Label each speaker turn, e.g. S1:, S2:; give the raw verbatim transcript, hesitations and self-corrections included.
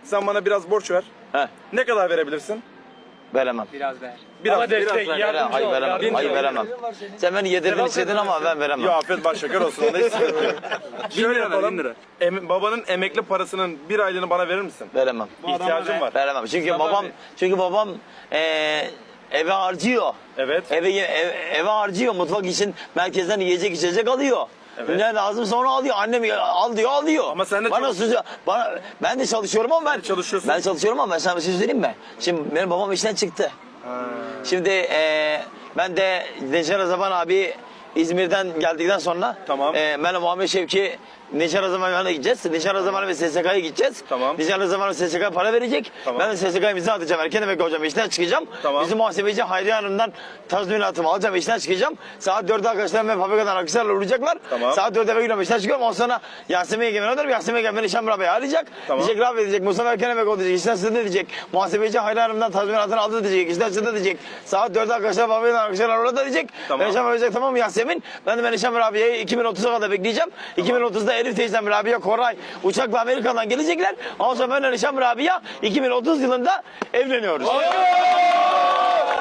S1: Sen bana biraz borç ver.
S2: He,
S1: Ne kadar verebilirsin?
S2: veremem.
S3: Biraz ver.
S1: Biraz,
S3: Ama destek,
S1: biraz ver.
S3: yardımcı
S2: Hayır
S3: ol,
S2: veremem.
S3: yardımcı
S2: Hayır
S3: ol.
S2: veremem. Sen beni yedirdin istedin ama ben veremem.
S1: Ya afiyet baş şeker olsun. Onda hiç sıkıntı yok. Şöyle yapalım. Em- babanın emekli parasının bir aylığını bana verir misin?
S2: Veremem.
S1: İhtiyacım var.
S2: Veremem. Çünkü
S1: Tamam
S2: babam
S1: abi.
S2: çünkü babam eee eve harcıyor.
S1: Evet.
S2: Eve ev- eve harcıyor. Mutfak için merkezden yiyecek içecek alıyor.
S1: Evet.
S2: Ne lazım sonra alıyor. Annem al diyor alıyor.
S1: Ama sen de
S2: bana
S1: çalış-
S2: suç- bana ben de çalışıyorum ama ben
S1: çalışıyorsun.
S2: Ben çalışıyorum ama ben sana bir şey söyleyeyim mi? Şimdi benim babam işten çıktı. Şimdi eee ben de Neşer Zaman abi İzmir'den geldikten sonra
S1: Tamam.
S2: eee ben Muhammed Şevki Neşer Zaman'a gideceğiz. Neşer Zaman'a ve S S K'ya gideceğiz.
S1: Tamam.
S2: Neşer Zaman'a S S K para verecek.
S1: Tamam.
S2: Ben de S S K'ya imza atacağım. Erken emekli hocam işten çıkacağım.
S1: Tamam.
S2: Bizim muhasebeci Hayriye Hanım'dan tazminatımı alacağım. İşten çıkacağım. Saat dörtte arkadaşlarım ve fabrikadan arkadaşlarla uğrayacaklar.
S1: Tamam.
S2: Saat dörtte eve gidiyorum. İşten çıkıyorum. Ondan sonra Yasemin Egemen öderim. Yasemin Egemen Nişan Rabia'yı arayacak.
S1: Tamam.
S2: Diyecek Rabia diyecek. Mustafa Erken emekli oldu diyecek. İşten çıktı diyecek. Muhasebeci Hayriye Hanım'dan tazminatını aldı diyecek. İşten çıktı diyecek. Saat dörtte arkadaşlar fabrikadan arkadaşlarla orada diyecek.
S1: Tamam.
S2: Ben Nişan verecek tamam mı Yasemin? Ben de ben Nişan Rabia'yı iki bin otuza kadar bekleyeceğim. iki bin otuzda Elif teyzem Rabia Koray uçakla Amerika'dan gelecekler. Ondan sonra ben Nişan Rabia iki bin otuz yılında evleniyoruz.